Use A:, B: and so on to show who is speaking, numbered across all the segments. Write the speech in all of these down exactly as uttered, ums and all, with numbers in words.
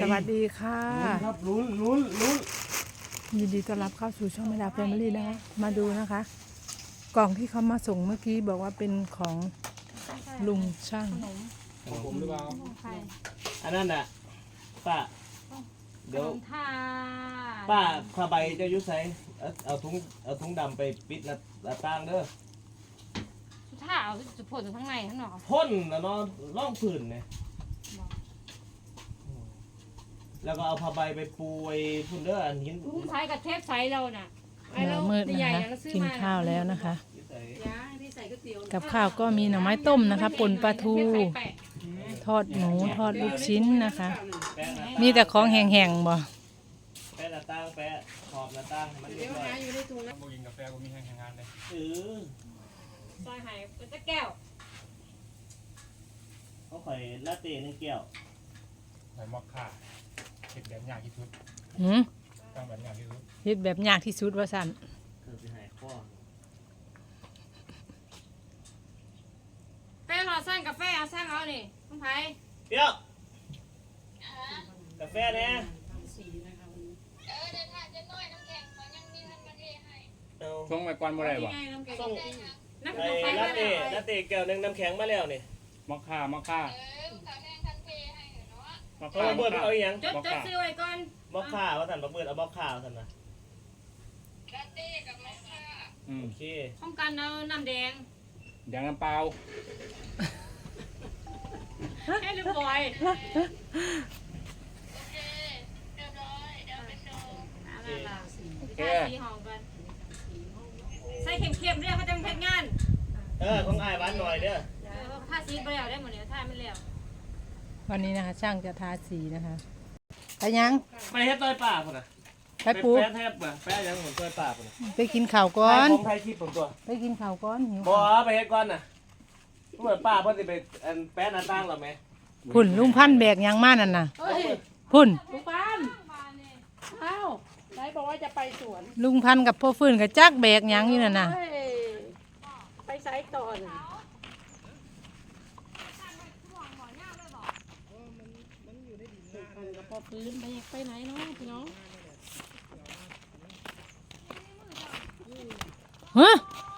A: วัสดีค่ะ
B: ครับลุ้นลุ้นลุ้น
A: ยินดีต้อนรับเข้าสู่ช่องแม่ดาแฟมิลี่นะคะมาดูนะคะกล่องที่เขามาส่งเมื่อกี้บอกว่าเป็นของลุงช่าง
B: ของผมหรือเปล่าอันนั้นน่ะป้าเดี๋ยวป้าผ้าใบเจ้ายุ้ยใส่เอาถุงเอาถุงดำไปปิดหน้าต่างเด้อ
C: ถ้าเอาจะพ่นทั้งในทั้งนอก
B: พ่นนะเนาะร่องผื่นเนี่ยแล้วก็เอาผ้าใบไปปูไอ้พุ่นเด้ออันหิน
C: ลุงใช้กับเทปใสเราน่ะ
A: หน้ามืดนะคะกินข้าวแล้วนะคะกับข้าวก็มีหน่อไม้ต้มนะคะป่นปลาทูทอดหมูทอดลูกชิ้นนะคะมีแต่ของแห้งๆบ่
B: แปะหน้าต่างแปะขอบหน้าต่างมันเรียบร้อย
D: อยู่ในถุงนะบ่กินกาแฟบ่มีแห้งงานเลย
B: เออ
C: ซอยไห้เป็นตะแก้ว
B: เขาใส่ลาเต้หนึ่งแก้ว
D: ใส่มอคค่าเฮ็ดแบบยากที่สุด
A: หืม
D: ต้องแบบยากที่สุด
A: เฮ็ดแบบยากที่สุดว่าซั่น
B: เธอไปหายข้อ
C: แป้งเราสร้างกาแฟเอาสร้างเอานี่ต้องไผ
B: เดี๋ยวกาแฟเนี่ย
E: เออเดี๋ยวถ้าจะน้อยน้ำแข็งเขายังมีท่านมาเทให้
D: ส่งไปก่อนบ่ได้บ่
B: ส่งไอ้ลาเต้ลาเต้แก้วนึงน้ำแข็งมาแล้วนี่
D: มอคค่ามอคค่า
E: เออเขาแทงทันเทให้เนาะ
D: มอค
B: ค่าเบิร์ดเอาอย่าง
C: จดจดซื้อไว้ก่อน
B: มอคค่าว่าท่านบักเบิร์ดเอามอคค่าท่านนะ
E: ลาเต้กับมอคค่า
B: โอเค
C: พร้อมกันเอาน้ำแดง
D: แดงน้ำเปล่า
C: ให้เรียบร้อย
E: โอเคเรียบร้อยเดี๋ยวไปส่ง
C: นั่นล่ะโอเคสีหอมกันใส่เค็มๆด้วยเขาจะเพ็ดงาน
B: เออของอ้ายหวานหน่อยเด้อ
C: ถ้าสีไปแล้วได้หมดเนี่ยถ้าไม่แล้ว
A: วันนี้นะคะช่างจะทาสีนะคะไปยัง
B: ไปเฮ็ดต้อยป่าพุ่นน่ะ
A: ไปปู
B: แปะแทบบ่แปะยังเหมือนต้อยป่าพุ่นน่ะ
A: ไปกินข้าวก่อน
B: ของไทยคลิปผมตัว
A: ไปกินข้าวก่อนหิว
B: บ่ไปเฮ็ดก่อนน่ะเหมือนป้าเพิ่นสิไปอันแปะหน้าต่างหรอแม่
A: พุ่นลุงพันแบกยังมานั่นน่ะพุ่น
C: ลุงพันอ้าวไหนบอกว่าจะไปสวน
A: ลุงพันกับพ่อฟื้นกับจักแบกยังอยู่นั่นน่ะ
C: ไปไซต์ก่อนพอฟื้นไปไปไหนเนาะพี่น้อง
A: ฮะ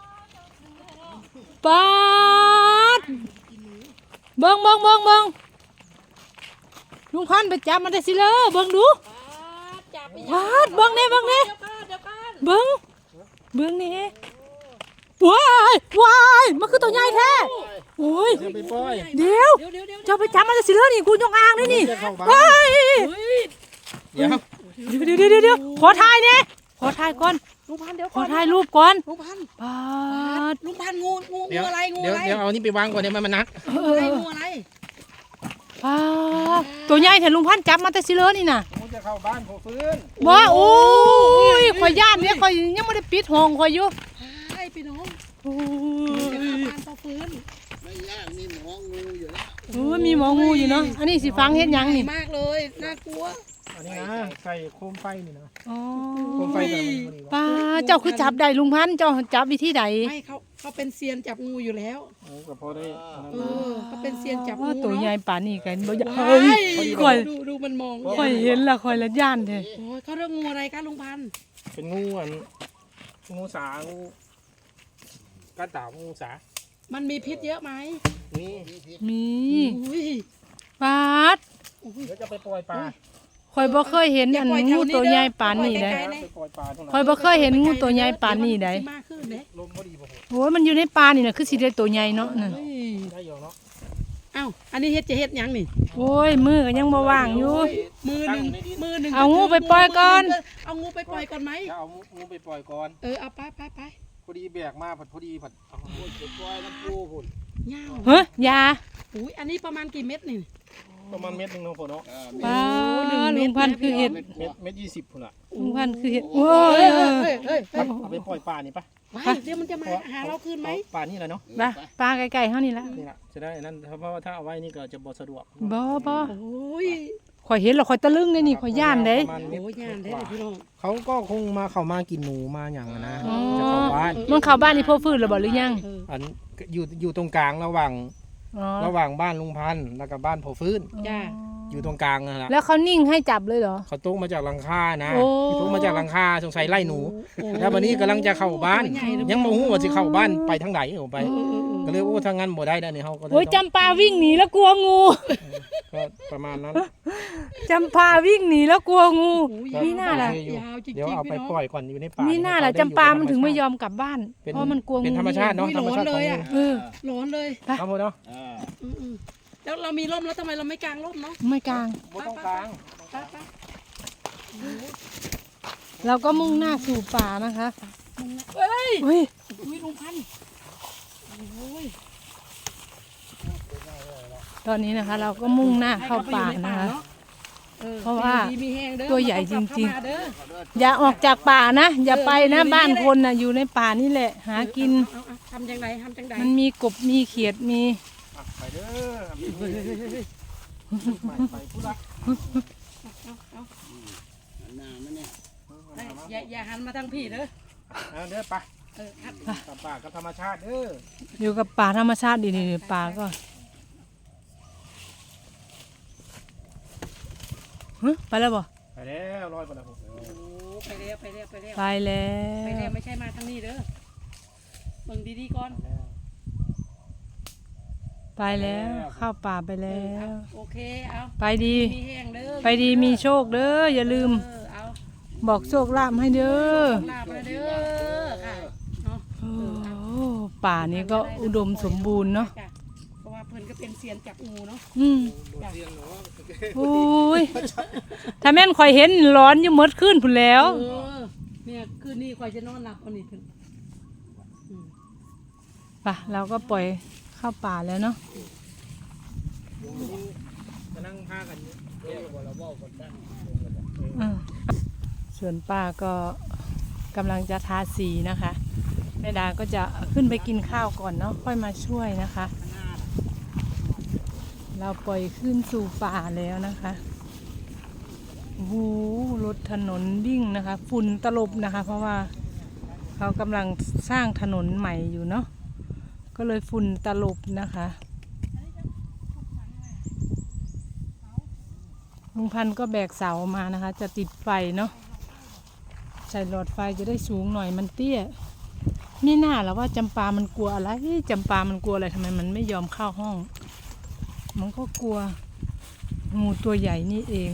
A: ปาดเบิ้งเบิ้งเบิ้งเบิ้งลุงพันไปจับมันได้สิเลยเบิ้งดูปาดเบิ้งเนี่ยเบิ้งเนี่ยเบิ้งเบิ้งนี่ว้ายวายมันคือตัวใหญ่แท้โอ้ยเดี๋ยวจะไปจับมันได้สิเลยนี่กูยกอ่างนี่นี่ว้าย
D: เดี๋ยว
A: เดี๋ยวเดี๋ยวเดี๋ยวเดี๋ยวขอถ่ายเนี่ยขอถ่ายก่อน
C: ลุงพันเดี๋ยว
A: ขอถ่ายรูปก่อน
C: ลุงพัน
A: ปาด
C: ลุงพันงูงูงูอะไรงูอะไร
D: เดี๋ยวเอานี่ไปวางก่อนเดี๋ยวมันมันนัก
C: อะไรงูอะไร
A: ปาดตัวใหญ่แต่ลุงพันจับมาแต่สิเลยนี่น่ะ
D: ผมจะเข้าบ้านผมฟื้น
A: ว้าโอ้ยข่อยย่านเนี่ยข่อยยังไม่ได้ปิดห้องข่อยอยู่
C: ใช่พี่น้อง
A: โอ้
C: ยบ้านพอฟื้น
E: ไม่ยากมีหมองูอยู่แล้ว
A: โอ้ยมีหมองูอยู่เนาะอันนี้สิฟังเฮ็ดยังนี่
C: มากเลยน่ากลัว
D: อันนี้นะใส่โคมไฟนี่นะ
A: อ๋อ
D: โคมไฟตัวนี้
A: ป้าเจ้าคือจับได้ลุงพันเจ้าจับวิธีใด
C: ไม่เขาเขาเป็นเซียนจับงูอยู่แล้ว
D: โอ้ก็พอได้
C: เออเขาเป็นเซียนจับงู
A: ตัวใหญ่ป่านนี้กันบ่
C: เฮ้ยค่อยดูดูมันมอง
A: ค่อยเห็นละค่อยละย่านแท้
C: โอ้ยเขาเรียกงูอะไรคะลุงพัน
D: เป็นงูอันงูสางูกระต่ายงูสา
C: มันมีพิษเยอะไหม
D: มี
A: มีปาด
D: เดี๋ยวจะไปปล่อยปลา
A: ข่อยบ่เคยเห็นอันงูตัวใหญ่ปานนี้ได้ข่อยบ่เคยเห็นงูตัวใหญ่ปานนี้ได้โอ้ยมันอยู่ในป่านี่น่ะคือสิได้ตัวใหญ่เนาะนั่น
D: ได้อยู่เนาะ
C: อ้าวอันนี้เฮ็ดจะเฮ็ดหยังนี่
A: โอ้ยมือก็ยังบ่ว่างอยู่
C: มือนึงมือนึง
A: เอางูไปปล่อยก่อน
C: เอางูไปปล่อยก่อนไหม
D: เอางูไปปล่อยก่อน
C: เออเอาไปไปไป
D: พอดีแบกมาผัดพอดีผัดเอางูไปปล่อยน้ำปูพุ่น
C: ยาว
A: เฮ้ยยา
C: อุ้ยอันนี้ประมาณกี่เม็ดนี่
D: ประมาณเม็ดนึงเนาะพ่อเนาะ
A: ป้าลุงพันคือเห็ด
D: เม็ดเม็ดยี่สิบพุ่นละ
A: ลุงพันคือเห็ดโอ้ย
D: เอาไปปล่อยปลานี่ปะ
C: เดี๋ยวมันจะมาหาเราคืนไหม
D: ปลานี่แหละเนาะ
A: ปลาปลาไก่ๆเท่านี้ละ
D: นี่แหละจะได้นั่นเพราะว่าถ้าเอาไว้นี่ก็จะบ่สะดวก
A: บ่บ่
C: โอ้ย
A: ข่อยเห็นแล้วข่อยตะลึงเลยนี่ข่อยย่านเด้
C: โอ้ยย่านเด้พี่น้อง
D: เขาก็คงมาเข้ามากินหนูมาอย่างนะจะเข้าบ้าน
A: มันเข้าบ้านนี่พ่อฟื้นหรือบ่หรือยัง
D: อันอยู่อยู่ตรงกลางระหว่างระหว่างบ้านลุงพันธุ์แล้วก็บ้านพ่อฟื้น
C: จ้า
D: อยู่ตรงกลางนั่นแหละ
A: แล้วเขานิ่งให้จับเลยเหรอ
D: เขาตกมาจากหลังคานะ
A: โอ้
D: ตกมาจากหลังคาสงสัยไล่หนู แล้ววันนี้กำลังจะเข้าบ้าน ยังบ่ฮู้ว่าสิเข้าบ้านไปทางไหนเอาไป ก็เลยโอ้ทางนั้นบ่ได้แล้วนี่เฮาก็เลย
A: โอ้ยจำปาวิ่งหนีแล้วกลัวงู
D: ก็ประมาณนั้น
A: จำปาวิ่งหนีแล้วกลัวงูมีหน้าล่ะ
D: ยาวจริงๆเดี๋ยวเอาไปปล่อยก่อนอยู่ในป่า
A: มี
D: มี
A: หน้าล่ะจำปามันถึงไม่ยอมกลับบ้าน เพราะมันกลัวงู
D: เป็นธรรมชาติเนาะธรรมชาติของงู
A: เออ
F: ร้อนเลย
D: เอาหมดเนาะ
F: อืมๆแล้วเรามีร่มแล้วทำไมเราไม่กางร่มเนาะ
A: ไม่กลาง
D: บ่ต้องกลาง
F: ไปไป
A: เราก็มุ่งหน้าสู่ป่านะคะ
F: เฮ้ย
A: เฮ้ย
F: อุ้ยลุงพันธุ์โอ้ย
A: ตอนนี้นะคะ เราก็มุ่งหน้าเข้าป่านะคะ
F: ออ
A: เพราะว่า
F: ดีมีแห้งเด้อ
A: ตัวใหญ่จริงๆ
F: เข้ามาเด้อ
A: อย่าออกจากป่านะ อย่าไปนะบ้านคนนะอยู่ในป่านี่แหละ หากิน
F: เอาเอาทำจังไดทำจังได
A: มันมีกบมีเขียดมี
D: อ่ะไปเด้อไปพุละ
F: อย่าอย่าหันมาทางพี่เด้อ
D: เอาเด้อไป
F: เออครับ
D: กับป่ากับธรรมชาติเด้อ
A: อยู่กับป่าธรรมชาติดีๆป่าก็ฮะไปแล้วบ่
D: ไปแล้วร้อยไปแล้วผม
F: โอ้ไปแล้วไปแล้วไปแล้ว
A: ไปแล้
F: ไปแล้ว
A: ว
F: ไม่ใช่มาทางนี้เด้อเบิ่งดีๆก่อน
A: ไปแล้วเข้าป่าไปแล้ว
F: โอเคเอา
A: ไปดี
F: มีแห้งเด้อ
A: ไปดีมีโชคเด้ออย่าลืม
F: เออเอา
A: บอกโชคลาภให้เด้อ
F: ลาบมาเด้อค่ะเนาะ
A: โอ้ป่านี้ก็อุดมสมบูรณ์เนาะ
F: จ้เพราะว่าเพิ่นก็เป็นเซียนจับงูเนาะ
A: อืมโอ้ยถ้าแม่นข่อยเห็นร้อนอยู่หมดขึ้นพุ่นแล้ว
F: เออเนี่ยคืนนี้คอยจะนอนหลับวันนี้เพิ่นอืม
A: ป่ะเราก็ปล่อยเข้าป่าแล้วเนาะ
D: มานั่งพากันอยู่เดี๋ยวเราเว้ากันได้
A: อืมส่วนป้าก็กำลังจะทาสีนะคะแม่ดาก็จะขึ้นไปกินข้าวก่อนเนาะค่อยมาช่วยนะคะ เราปล่อยขึ้นสู่ป่าแล้วนะคะโอ้โหรถถนนวิ่งนะคะฝุ่นตลบนะคะ เพราะว่าเขากำลังสร้างถนนใหม่อยู่เนาะก็เลยฝุ่นตลบนะคะลุงพันธุ์ก็แบกเสามานะคะ จะติดไฟเนาะใส่หลอดไฟจะได้สูงหน่อยมันเตี้ยนี่น่าแล้วว่าจำปามันกลัวอะไรจำปามันกลัวอะไรทำไมมันไม่ยอมเข้าห้อง มันก็กลัวงูตัวใหญ่นี่เอง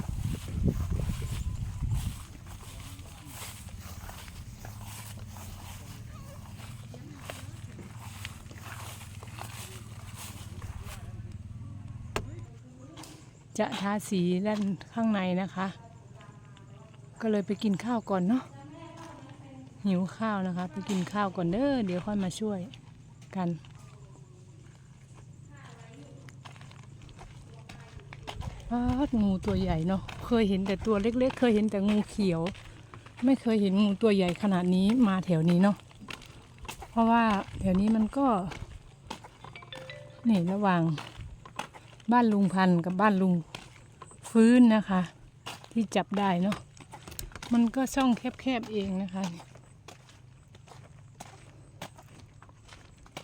A: จะทาสีด้านข้างในนะคะ ก็เลยไปกินข้าวก่อนเนาะหิวข้าวนะคะ ไปกินข้าวก่อนเด้อเดี๋ยวค่อยมาช่วยกันปาดงูตัวใหญ่เนาะเคยเห็นแต่ตัวเล็กๆเคยเห็นแต่งูเขียว ไม่เคยเห็นงูตัวใหญ่ขนาดนี้มาแถวนี้เนาะเพราะว่าแถวนี้มันก็นี่ระหว่างบ้านลุงพันธุ์กับบ้านลุงฟื้นนะคะ ที่จับได้เนาะมันก็ช่องแคบๆเองนะคะ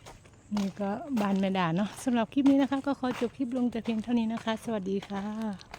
A: นี่ก็บ้านแม่ดาเนาะสำหรับคลิปนี้นะคะก็ขอจบคลิปลงแต่เพียงเท่านี้นะคะ สวัสดีค่ะ